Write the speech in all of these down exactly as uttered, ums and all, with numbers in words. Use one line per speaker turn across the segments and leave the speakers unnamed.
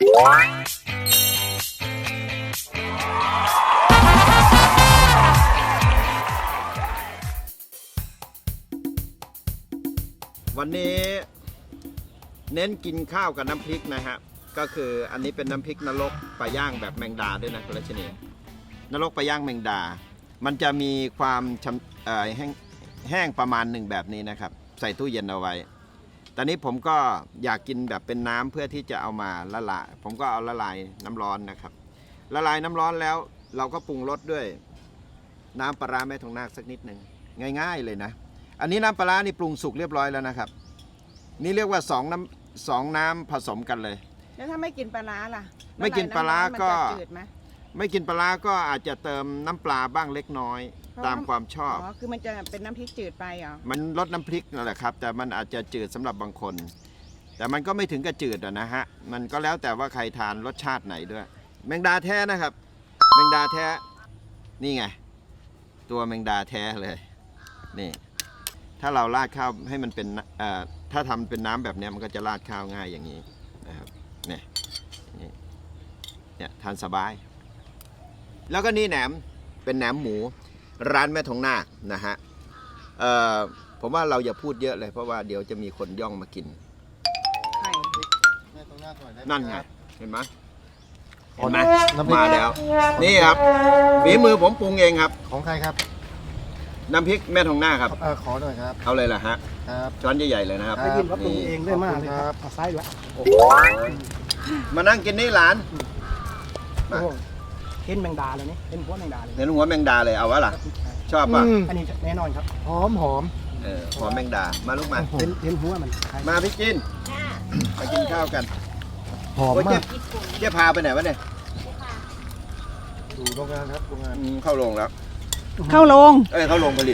วันนี้เน้นกินข้าวกับน้ำพริกนะฮะก็คืออันนี้เป็นน้ำพริกนรกปลาย่างแบบแมงดาด้วยนะคุณรัชนีนรกปลาย่างแมงดามันจะมีความแห้งแห้งประมาณหนึ่งแบบนี้นะครับใส่ตู้เย็นเอาไว้ตอนนี้ผมก็อยากกินแบบเป็นน้ำเพื่อที่จะเอามาละลายผมก็เอาละลายน้ำร้อนนะครับละลายน้ำร้อนแล้วเราก็ปรุงรสด้วยน้ำปลาร้าแม่ทองนาคสักนิดหนึ่งง่ายๆเลยนะอันนี้น้ำปลาร้านี่ปรุงสุกเรียบร้อยแล้วนะครับนี่เรียกว่าสองน้ำสองน้ำผสมกันเลย
แล้วถ้าไม่กินปลาร้าล่ะ
ไม่กินปลาร้าก็ไม่กินปลาร้าก็อาจจะเติมน้ำปลาบ้างเล็กน้อยตามความชอบ
อ๋อคือมันจะเป็นน้ำพริกจืดไปเหรอ
มันลดน้ำพริกนั่นแหละครับแต่มันอาจจะจืดสำหรับบางคนแต่มันก็ไม่ถึงกับจืดนะฮะมันก็แล้วแต่ว่าใครทานรสชาติไหนด้วยแมงดาแท้นะครับแมงดาแท้นี่ไงตัวแมงดาแท้เลยนี่ถ้าเราราดข้าวให้มันเป็นถ้าทำเป็นน้ำแบบนี้มันก็จะราดข้าวง่ายอย่างนี้นะครับเนี่ยเนี่ยทานสบายแล้วก็นี่แหนมเป็นแหนมหมูร้านแม่ทองนาคนะฮะผมว่าเราอย่าพูดเยอะเลยเพราะว่าเดี๋ยวจะมีคนย่องมากินนั่นไงเห็นไหมเห็นไหมมาแล้วนี่ครับฝีมือผมปรุงเองครับ
ของใครครับ
น้ำพริกแม่ทองนาคครับ
เออขอหน่อยครับ
เอาเลยล่ะฮะ
ครับ
ช้อนใหญ่ๆเลยนะครับ
ได้ยินว่าปรุงเองได้มากเลยครับเอาไส้ด้วย
มานั่งกินนี่หลาน
เห็นแมงดาเลยนี่เห็นหัวแมงดาเลย
เห็นหัวแมงดาเลยเอาวะล่ะชอบป่ะ
อันนี้แน่นอนครับ
หอมหอม
เออหอมแมงดามาลูกมา
เห็นเห็นหัวมัน
มาพี่จินมากินข้าวกัน
หอมมาก
เจ๊พาไปไหนวะเนี่ย
ดูโรงงานครับโรงงาน
เข้าโรงแล้ว
เข้าโรง
เอ้ยเข้าโรงผลิต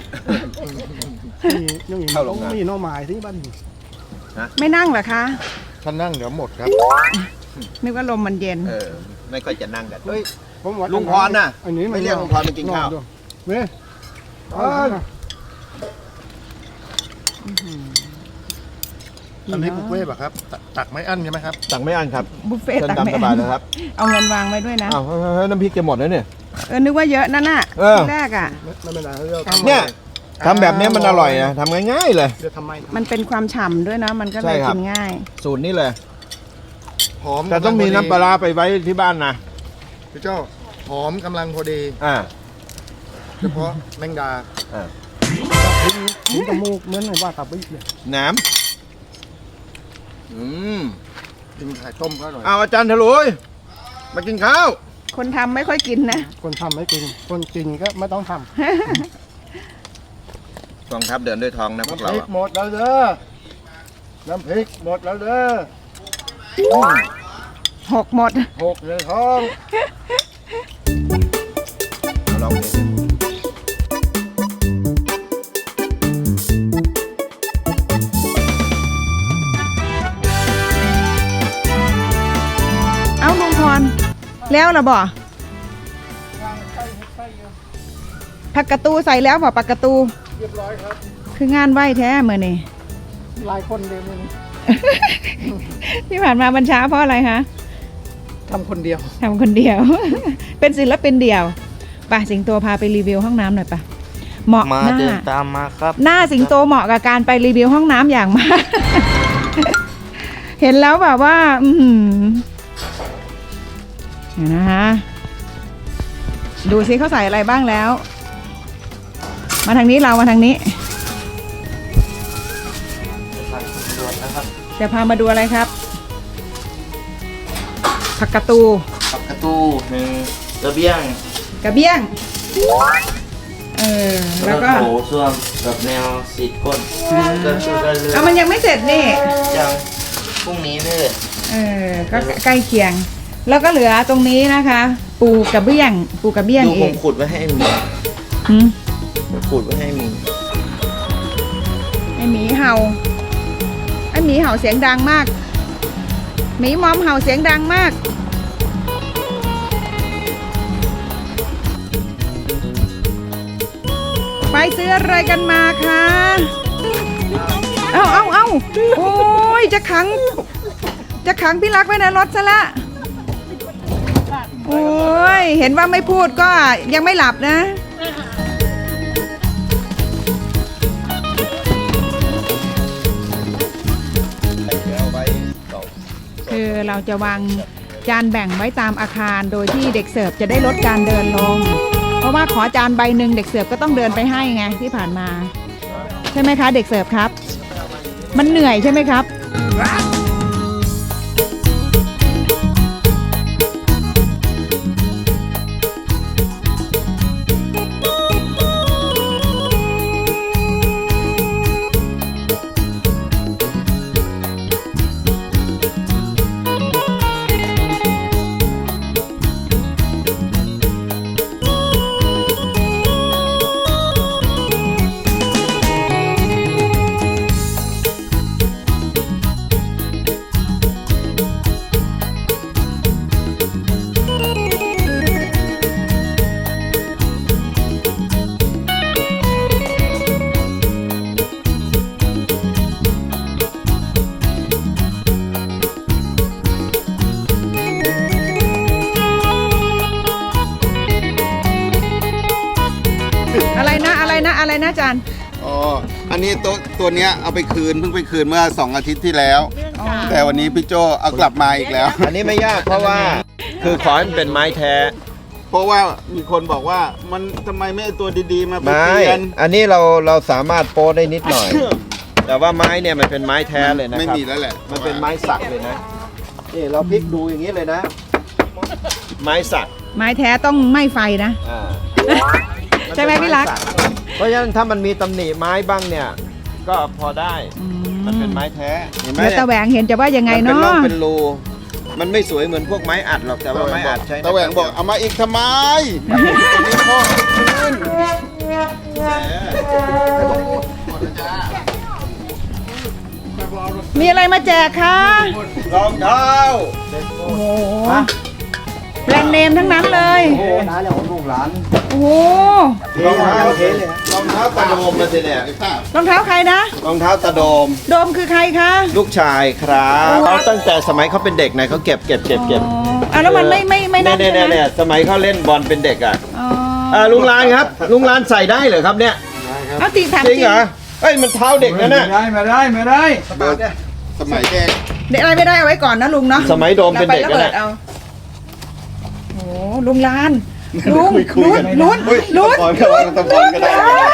เข้าโรงนี่น้องหมายที่บ้าน
ไม่นั่งเหรอคะ
ท่านนั่งเดี๋ยวหมดครับ
นึกว่าลมมันเย็น
เออไม่ค่อยจะนั่งกัน
เฮ้ยผมว่า
ลุงพรน่ะไม่เรียกลุงพรไปกินข้าว
เว้ย
อันนี้บุฟเฟ่ต์ป่ะครับตักไม่อั้นใช่ไหมครับ
ตักไม่อั้นครับ
บุฟเฟ่ต์ตักไม่
อั้นนะครับ
เอาเงินวางไว้ด้วยนะ
อ้าวน้ำพริกจะหมดแล้วเนี่ย
เออนึกว่าเยอะนั่นน่ะแรกอ่ะ
เนี่ยทำแบบนี้มันอร่อยนะทำง่ายๆเลย
มันเป็นความฉ่ำด้วยนะมันก็เลยกินง่าย
สูตรนี้เลย
หอม
แต่ต้องมีน้ำปลาไปไว้ที่บ้านนะ
พี่เจ้าหอมกำลังพอดี
อ่า
เฉพาะแมงดา
อ่า
ถึงจมูกเหมือนว่าตับบิ๊กเลย
น้ำอืม
กินไข่ต้มก็อร่อย
เอาอาจารย์ถลุยมากินข้าว
คนทำไม่ค่อยกินนะ
คนทำไม่กินคนกินก็ไม่ต้องทำ
กองทัพเดินด้วยทองนะพวกเรา
น้ำพริกหมดแล้วเด้อน้ำพริกหมดแล้วเด้อ
หกหมด
หกเลยท้อง
ลองดู
เอาลุงพรแล้วล่ะบ่ผักกระตูใส่แล้วบ่ผักกระตู
เรียบร้อยครับ
คืองานไหวแท้เมื่อนี่
หลายคนเดียวมือ
ที่ผ่านมาบัญชาเพราะอะไรคะ
ทำคนเดียว
ทำคนเดียวเป็นศิลปินเดียวป่ะสิงโตพาไปรีวิวห้องน้ำหน่อยป่ะเหมาะ
มาเดินตามมาครับ
หน้าสิงโตเหมาะกับการไปรีวิวห้องน้ำอย่างมากเห็นแล้วแบบว่าอืมนะคะดูซิเขาใส่อะไรบ้างแล้วมาทางนี้เรามาทางนี้จะพามาดูอะไรครับผักกระตู
ผักกระตูหนึ่งกระเบี้ยง
กระเบี้ยงเออแล้วก็
โถส้วมกับแนวสีก้นก็ช่วยกันเลย
เอามันยังไม่เสร็จนี่
ยังพรุ่งนี้เลย
เออก็ใกล้เคียงแล้วก็เหลือตรงนี้นะคะปูกระเบี้ยงปูกระเบี้ยงเอง
ดูผมขุดไว้ให้มี
หืม
ขุดไว้ให้มี
ไอหมีเห่าไอหมีเห่าเสียงดังมากหมีมอมเห่าเสียงดังมากไปซื้ออะไรกันมาคะเอาเอาเอาโอ้ยจะขังจะขังพี่รักไว้ในรถซะละโอ้ยเห็นว่าไม่พูดก็ยังไม่หลับนะ คือเราจะวางจานแบ่งไว้ตามอาคารโดยที่เด็กเสิร์ฟจะได้ลดการเดินลง เพราะว่าขอจานใบหนึ่งเด็กเสิร์ฟก็ต้องเดินไปให้ไงที่ผ่านมา ใช่ไหมคะเด็กเสิร์ฟครับ มันเหนื่อยใช่ไหมครับ อะไรนะอะไรนะอะไรนะอาจารย์
อ๋อ อันนี้ตัวตัวเนี้ยเอาไปคืนเพิ่งไปคืนเมื่อสองอาทิตย์ที่แล้ว แต่วันนี้พี่โจเอากลับมาอีกแล้ว
อันนี้ไม่ยากเพราะว่าคือขอให้มันเป็นไม้แท้
เพราะว่ามีคนบอกว่ามันทำไมไม่เอาตัวดีๆมา
ไม้
เปลี่ยน
อันนี้เราเราสามารถโป้ได้นิดหน่อย แต่ว่าไม้เนี่ยมันเป็นไม้แท้เลยนะครับ
ไม่มีแล้วแหละ
มันเป็นไม้สักเลยนะ นี่เราพลิกดูอย่างนี้เลยนะ ไม้สัก
ไม้แท้ต้องไหม้ไฟนะ
อ่า
ใช่ไหมพี่รัก
เพราะฉะนั้นถ้ามันมีตำหนิไม้บ้างเนี่ย ก็พอได้ มันเป็นไม้แท้ เห็นไหม
แล้วตาแหวงเห็นจะว่ายังไง
มันเป็น
เนาะ
ร่องเป็นรู มันไม่สวยเหมือนพวกไม้อัดหรอก แต่ว่าไม้อัดใช้
ตะแหวงบอกเอามาอีกทำไมตัวนี้พ่อคืน
มีอะไรมาแจกคะ
รองเท้า
โอ้โหแบรนด์เนมทั้งนั้นเลย
โอ้น้าเนี่ยของลูกหลาน
โอ้โห
รองเท้า
เทเลย
รองเท้าตะโดมมาสิเนี่ย
ไอ้ป้าร
องเท้าใครนะ
รองเท้าตะโดม
โดมคือใครคะ
ลูกชายครับเขาตั้งแต่สมัยเขาเป็นเด็กนะเขาเก็บเก็บเก็บเก็บ
อ๋ออ่ะแล้วมันไม่ไม่ไม่นั่น
เนี่ย
ใช่
เนี่ย
ไหม
เนี่ยสมัยเขาเล่นบอลเป็นเด็กอ่ะ
อ๋อ
อ่าลุงลานครับ ลุงลานใส่ได้เหรอครับเนี่ย
เอาจริงถาม
จ
จ
ริ
ริ
ง
ง
เหรอเอ้ยมันเท้าเด็กนะเนี่ย
ไม่ได้ไม่ได้ไม่ได้
เบิร์ดสมัยแก
เด็กอะไรไม่ได้เอาไว้ก่อนนะลุงเนาะ
สมัยโดมเป็นเด็ก
รา
นะ
ไระ
เนี่
บิ
ย
ดเอาโอ้ลุงลานลุงลุ้นลุ้น
เฮ้ย
ลุ้น
ตะบอลก็ว่าตะบอลก็ได้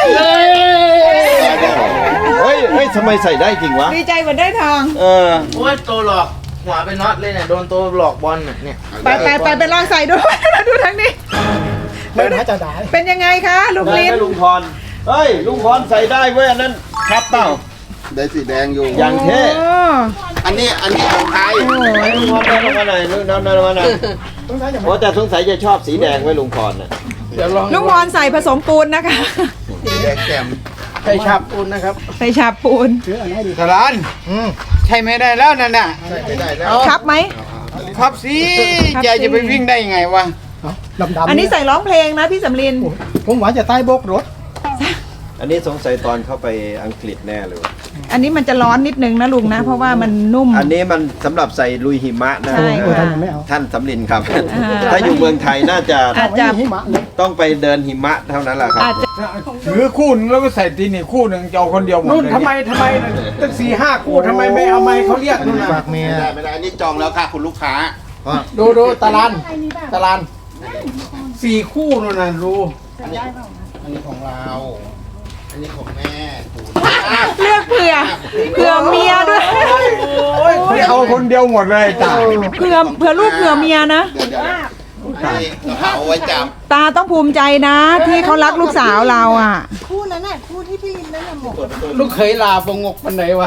เฮ้ยเฮ้ยทำไมใส่ได้จริงวะ
ดีใจเหมือนได้ทอง
เออ
โอ้ยตัวหลอกหัวไปน็อตเลยเนี่ยโดนตัวหลอกบอลน่ะเนี่ย
ไปไปไปไปลองใส่ดู ดูทางนี้
เดินหาจะได้
เป็นยังไงคะลุง
ได้
ลิ
ไหม
น
ลุงพรเฮ้ยลุงพรใส่ได้เว้ยอันนั้นครับเปล่า
ได้สีแดงอยู่
อย่างเท่
โอ้
อันนี้อันนี้ของไทย
ลุงพรได้ลงมาหน่อยลุงน้ำน้ำมาหน่อยโอ้แต่สงสัยจะชอบสีแดงไว้ลุงพรน่ะ
เดี๋ยวลอง
ลุงพรใส่ผสมปูนนะคะ
สีแดงแจ่ม
ใช้ชับปูนนะครับ
ใส่ฉาบปูน
ซื้ออันไหนดี
สารานใช่ไม่ได้แล้วนั่นน่ะ
ใส่ไม่ได้แล้ว
ครับไหม
ครับสิ
ครับ
แก
สิ
จะไปวิ่งได้ยังไงวะ
ดำดำ
อันนี้ใส่ร้องเพลงนะพี่สำลิน
ผมหวานจะใต้โบกรถ
อันนี้สงสัยตอนเข้าไปอังกฤษแน่เลยว่ะ
อันนี้มันจะร้อนนิดนึงนะลุงนะ เพราะว่ามันนุ่ม
อันนี้มันสำหรับใส่ลุยหิมะนะ
ใช่
โอ้ยท่านยังไม่เอา
ท่านสำลินครับ
อ่า
ถ้าอยู่เมืองไทยน่าจะ
อาจจะ
หิมะเลย
ต้องไปเดินหิมะเท่านั้นแหละครับ
อาจจะ
ถือคู่หนึงแล้วก็ใส่ตีนี่คู่หนึ่งจะเอาคนเดียวหมด
นู่น
เลย
ทำไมทำไมตั้งสี่ห้าคู่ทำไมไม่เอาไม้เขาเรียกนู่นน่ะ
ฝากเมียไม่ได้ไม่ได้อันนี้จองแล้วค่ะคุณลูกค้า
ดูดูตารานตารานสี่คู่นู่นน่ะดู
อันนี้ของเรา อันนี้ของแม่ปู่
เลือกเผื่อเผื่อเมียด้วย
ไม่เอาคนเดียวหมดเลยตาย
เผื่อเผื่อลูกเผื่อเมียนะ
เดี๋ยวเดี๋ยวอันนี้เราเอาไว้จับ
ตาต้องภูมิใจนะ ที่เขารักลูกสาวเราอ่ะ
คู่นั้นน่ะคู่ที่พี่นั่นน่ะหมก
ลูกเคยลาฟงกปันไหนวะ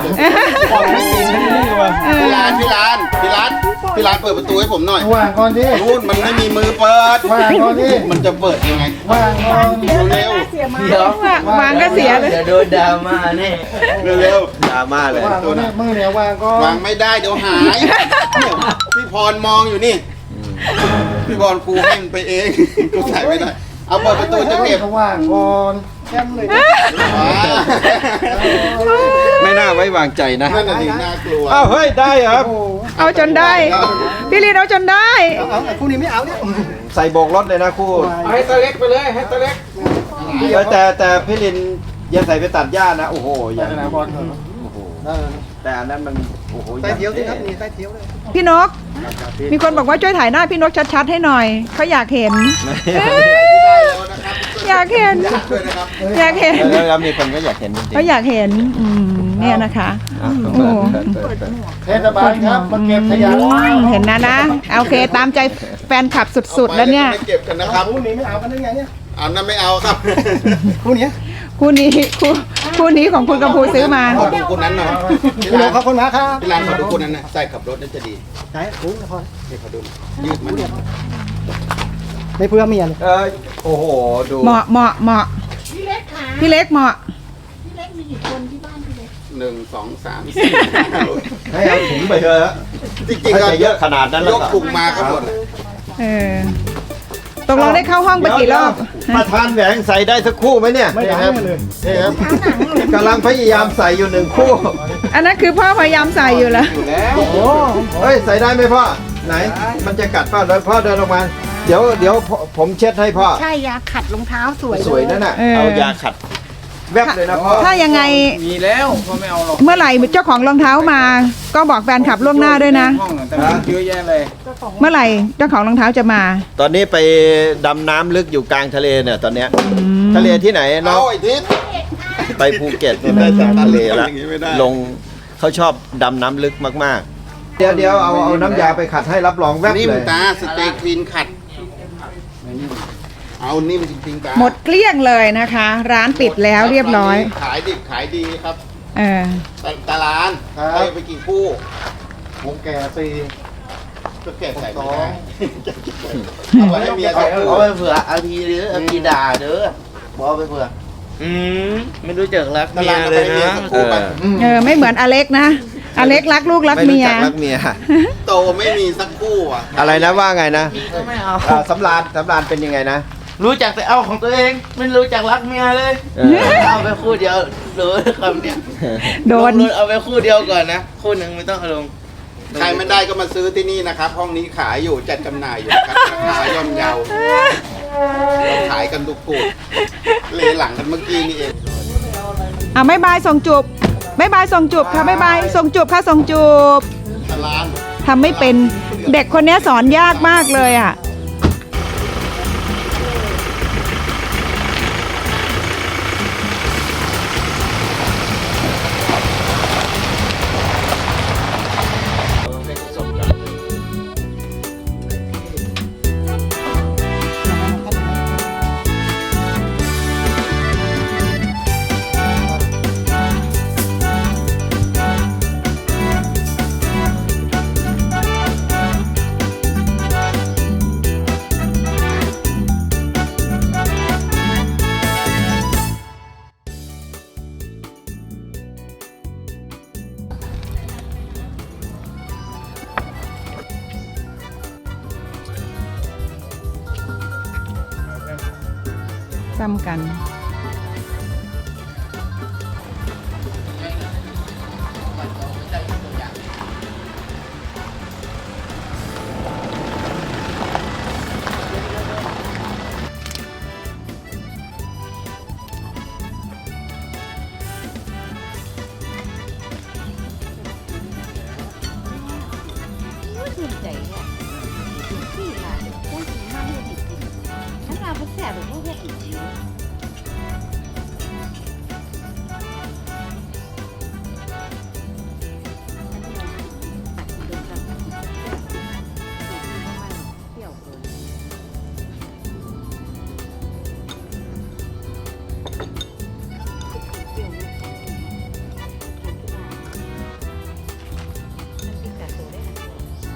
พี่ร้านพี่ร้านพี่ร้านพี่ร้านเปิดประตูให้ผมหน่อย
ว่างก่อนดิ
นู่นมันไม่มีมือเปิด
ว่างก่อนดิ
มันจะเปิดยังไง
ว่างก่อน
เร็ว
เสียมา
เดี๋ยว
วางก็เสียเลย
เดี๋ยวโดนดราม่าแน่
เร็วเร็ว
ดราม่าเลย
ว่างก่อนดิมือเนี่ยวางก่อ
ๆวาน งไม่ได้เดี๋ยวหายเนี่ยพี่พรมองอยู่นี่ พี่พรครูให้มันไปเองกูใส่ไม่ได้ เอาเปิดประตูจะเก็บ
เขาว่างก่อนแค่เลย
ว้า
ไม่น่าไว้วางใจนะ
นั่นน่ะสิน่ากลัว
อ้าวเฮ้ยได้เหรอครับ
เอาจนได้ พี่ลินเอาจนได้
เอาเอาคู่นี้ไม่เอาเนี่ย
ใส่โบกรถเลยนะคู่
เอาให้ตัวเล็กไปเลยให้ตัวเล็ก
เออแต่แต่พี่ลินอย่าใส่ไปตัดหญ้านะโอ้โหอย่าง
นะบอล
โอ้โหแต่อันนั้นมันโอ้โห
ใต้เทียวสิครับนี่ใต้เทียวเลย
พี่นก มีคนบอกว่าช่วยถ่ายหน้าพี่นกชัดๆให้หน่อยเขาอยากเห็น อยากเห็น
ด้วยนะครับ
อยากเห็น
แล้วมีคนก็อยากเห็นจริง
เขาอยากเห็นอืมเนี่ยนะคะ
ๆอ่ะ
โอ้โห
เทศบาลครับมาเก็บขยะ
อืมเห็นนะนะโอเคตามใจแฟนคลับสุดๆแล้วเนี่ย
ไม่เก็บกันนะครับ
คู่นี้ไม่เอากันได้ไงเนี่ย
อันนั้นไม่เอาครับ
คู่นี้
คู่นี้คู่คู่นี้ของคุณกำพูซื้อมา
ขอดูคนนั้นหน่อย
คุณขอบคุณมากครับ
ที่ร้านขอดูคนนั้นนะใส่ขับรถน่าจะดี
ไหนคุณพอ
ให้เขาดูยืดมัน
ไม่เพื่อเมียเลย
เออโอ้โหดู
เหมาะเหมาะเหมาะ
พี่เล็กค่ะ
พี่เล็กเหมาะ
พี่เล็กมีกี่คนที่บ้านพี่เล็ก
หนึ่งสองสามสี่
ให้เอาถุงไปเถอะ
จริงๆ
ถ้า
ก็
จะเยอะขนาดนั้นแล้
ยว ก
ก็
ถุงมาก็หมด
เออตกลงได้เข้าห้องไปกี่รอบ
ประธานแหวงใส่ได้สักคู่ไหมเนี่ย
ไม่ได้เลยเฮ้ยครับ
กำลังพยายามใส่อยู่หนึ่งคู่
อันนั้นคือพ่อพยายามใส่อยู่แล้ว
อยู่แล้วโอ้โห
เฮ้ยใส่ได้ไหมพ่อไหน มันจะกัดพ่อเดินพ่อเดินออกมา เดี๋ยวเดี๋ยวผมผมเช็ดให้พ่อ
ใช่ยาขัดรองเท้าสวย
สวยนั่นน่ะ
เออ
เอายาขัดแวบเลยนะพ่อ
ถ้ายังไง
มีแล้วก็ไม่เอาหรอก
เมื่อไหร่เจ้าของรองเท้ามา ก็บอกแฟนขับล่วงหน้าด้วยนะ
ห้องแต่มันเยอะแยะเลย
เมื่อไหร่เจ้าของรองเท้าจะมา
ตอนนี้ไปดำน้ำลึกอยู่กลางทะเลเนี่ยตอนเนี้ย
อืม
ทะเลที่ไหนเนาะ
เอาไอ้ทิศ
ไปภูเก็ตไปจากทะเลแล้ว
อย่างงี้ไม่ได้
ลงเขาชอบดำน้ำลึกมากๆ เดี๋ยวเดี๋ยวเอาเอาน้ำยาไปขัดให้รับรองแวบ
นิ่ม
เลย
ตาสเตย์คลีนขัด เอานิ่มจริงๆตา
หมดเกลี้ยงเลยนะคะ ร้านปิดแล้วเรียบร้อย
ขายดิบขายดีครับ
เออ
ตตาลานไปไปกี่คู่
ผมแก่สี่
ก็แก่ใส่ไม่ได้เอาไว้ให้เมียใส่
เอาไปเผื่อเอาทีหรือเอาทีด่าเด้อบอกเอาไปเผื่ออืมไม่รู้จักรัก
ตา
เมี
ลาย นเอา
เล
ไป
ย
ให้เมีย
นะ
สักคู่ไป
เออไม่เหมือนอเล็กนะ อเล็กรักลูกรัก
ไม่
เมี
รู้
ย
จักรักเมีย
โตไม่มีสักคู่อ่ะ
อะไรนะว่าไงนะ
ก็ไม่เอา
อ่าสำรานสำรานเป็นยังไงนะ
รู้จักแต่เอาของตัวเอง ไม่รู้จักรักเมียเลย
เออ
เอาไปคู่เดียวหรือคำเนี้ย
โดน
ลงรถเอาไปคู่เดียวก่อนนะ คู่หนึ่งไม่ต้องเอาลง
ใครไม่ได้ก็มาซื้อที่นี่นะครับ ห้องนี้ขายอยู่จัดจำหน่ายอยู่นะครับราคาย่อมเยาเราขายกันทุกกลุ่มเลหลังกันเมื่อกี้นี่เอง
อ่ะไม่บายส่งจูบไม่บายส่งจูบค่ะไม่บายส่งจูบค่ะส่งจูบ
ตาลาน
ทำไม่เป็นเด็กคนนี้สอนยากมากเลยอ่ะ ซ้ำกัน
ชื่นใจเนี่ยที่หลานได้กินมากเลยจริงๆฉันมาเพื่อแสบหรือพวกเพื่อนอีกทีเปรี้ยวเลยเปรี้ยวไหมทานที่บ้านมันติดกับตัวได้นะ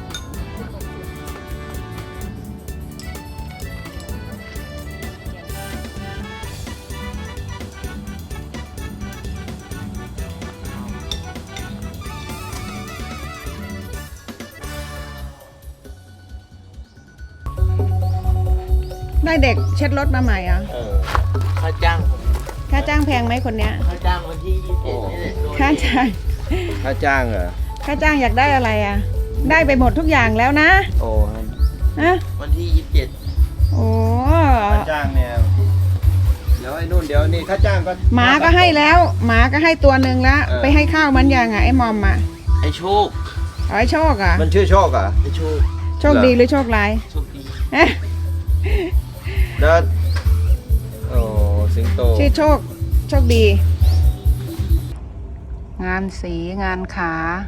ได้เด็กเช็ดรถมาใหม่อ่ะ
เออค่าจ้างผม
ค่าจ้างแพงไหมคนเนี้ย
ค่าจ้างวันที่ยี่สิบเจ็ดนี่แหละโดน
ค่าจ้าง
ค่าจ้างเหรอ
ค่าจ้างอยากได้อะไรอ่ะ ได้ไปหมดทุกอย่างแล้วนะ
โอ้
ฮะ
วันที่ยี่สิบเจ็ด
โอ้
ค่าจ้างเนี่ยเดี๋ยวไอ้นู่นเดี๋ยวนี่ค่าจ้างก็
หมาก็ให้แล้วหมาก็ให้ตัวหนึ่งแล้ว
เออ
ไปให้ข้าวมันยังอ่ะไอ้มอมอ่ะ
ไอ้โชค
เอาไอ้โชคอ่ะ
มันชื่อโชคเหรอ่ะ
ไอ้โชค
โชคดีหรือโชคร้าย
โชคดี
เอ๊ะ
แล้วโอ้สิงโต
ชื่อโชคโชคดี งานสีงานขา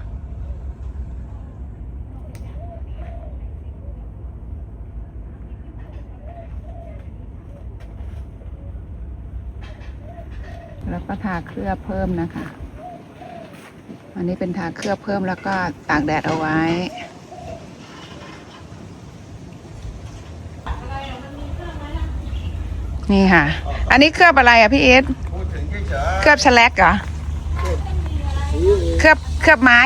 แล้วก็ทาเคลือบเพิ่มนะคะ อันนี้เป็นทาเคลือบเพิ่มแล้วก็ตากแดดเอาไว้ นี่ค่ะ อันนี้เคลือบอะไรอ่ะพี่เอส
พูดถึงเฉย
เคลือบแฉลกเหรอ เคลือบเคลือบไม้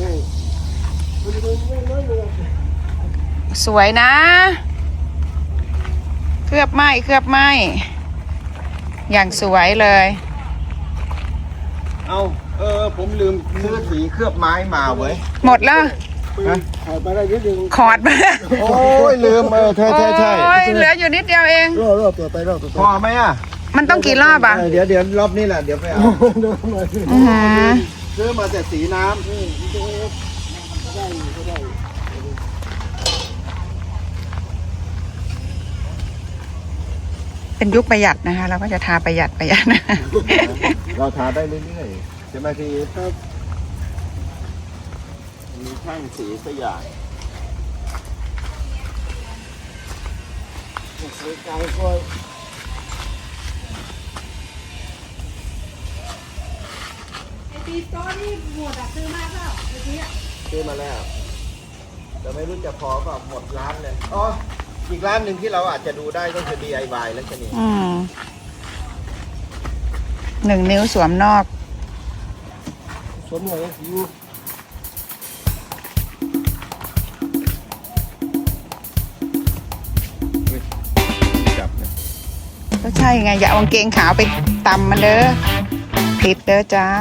สวยนะ เคลือบไม้เคลือบไม้อย่างสวยเลย
ๆเอาเออผมลืมซื้อสีเคลือบไม้มาเว้ย
หมดแล้วขอดมา
โอ้ยลืมเออใช่ใช่ใช่
โอ้ยเหลืออยู่นิดเดียวเอง
พอไหมอ่ะ
มันต้องกี่รอบอ่ะ
เออเดี๋ยวเดี๋ยวรอบนี้แหละเดี๋ยวไปเอา
อือหือ
ซื้อมาแต่สีน้ำ
เป็นยุคประหยัดนะคะ เราก็จะทาประหยัดประหยัดนะ
เราทาได้เรื่อยๆใช่ไหมพี่ครับมีช่างสีสยามซื้อมาแล้ว แต่ไม่รู้จะพอเปล่าหมดร้านเลยอ๋ออีกร้านหนึ่งที่เราอาจจะดูได้ก็คือ ดี ไอ วาย แล้วชนี
อืมหนึ่งนิ้วสวมนอก
สวมหัวอยู่จับนะ
ก็ใช่ไง อย่าเอากางเกงขาวไปตำมันเด้อผิดเด้อจ้า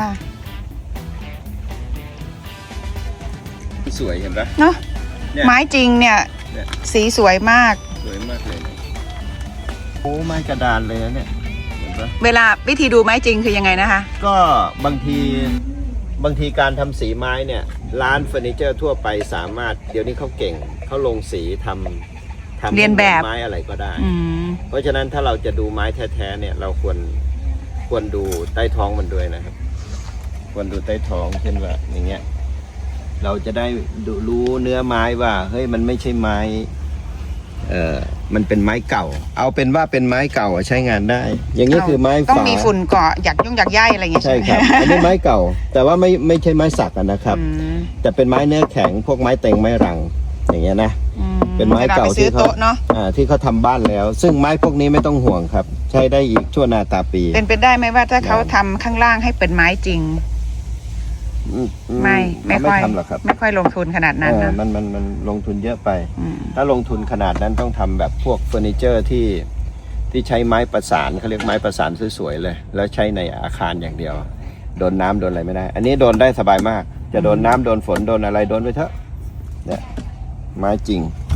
สวยเห็นปะ
เนาะ
เนี่ย
ไม้จริงเนี่ย
เนี่ย
สีสวยมาก
สวยมากเลยนะโอ้ไม้กระดานเลยนะเนี่ยเห็นปะ
เวลาวิธีดูไม้จริงคือยังไงนะคะ
ก็บางทีบางทีการทำสีไม้เนี่ย ร้านเฟอร์นิเจอร์ทั่วไปสามารถเดี๋ยวนี้เขาเก่งเขาลงสีทำทำ
เรียนแบบ
ไม้อะไรก็ได้
อืม
เพราะฉะนั้นถ้าเราจะดูไม้แท้ๆเนี่ย เราควรควรดูใต้ท้องมันด้วยนะครับ ควรดูใต้ท้องเช่นว่าอย่างเงี้ย เราจะได้ดูรู้เนื้อไม้ว่าเฮ้ยมันไม่ใช่ไม้ เอ่อมันเป็นไม้เก่า เอาเป็นว่าเป็นไม้เก่าอะใช้งานได้ อย่างนี้คือไม้
ต้อง
ฝา
มีฝุ่นเกาะอยากยุ่งอยากย่ายอะไรอย่างเงี้ย
ใช่ครับ อันนี้ไม้เก่า แต่ว่าไม่ไม่ใช่ไม้สักอะนะครับ
อืม
แต่เป็นไม้เนื้อแข็งพวกไม้เต็งไม้รัง อย่างเงี้ยนะ
อื
เป็นไม้เก่า
วลไปซื้
ที่
อ
เขา
โต๊ะเนาะ
อ่าที่เขาทำบ้านแล้ว ซึ่งไม้พวกนี้ไม่ต้องห่วงครับ ใช้ได้อีกชั่วนาตาปี
เป็นไปได้ไหมว่าถ้าเขาทำข้างล่างให้เป็นไม้จริง
อืมอื
ไม่ไม่
เขา
ค่อย
ทำหรอกครับ
ไม่ค่อยลงทุนขนาดนั้น
เออ
นะ
มันมันมันลงทุนเยอะไป
อืม
ถ้าลงทุนขนาดนั้นต้องทำแบบพวกเฟอร์นิเจอร์ที่ที่ใช้ไม้ประสานเขาเรียกไม้ประสานสวยๆเลย แล้วใช้ในอาคารอย่างเดียว โดนน้ำโดนอะไรไม่ได้ อันนี้โดนได้สบายมาก จะโดนน้ำโดนฝนโดนอะไรโดนไปเถอะเนี่ยไม้จริง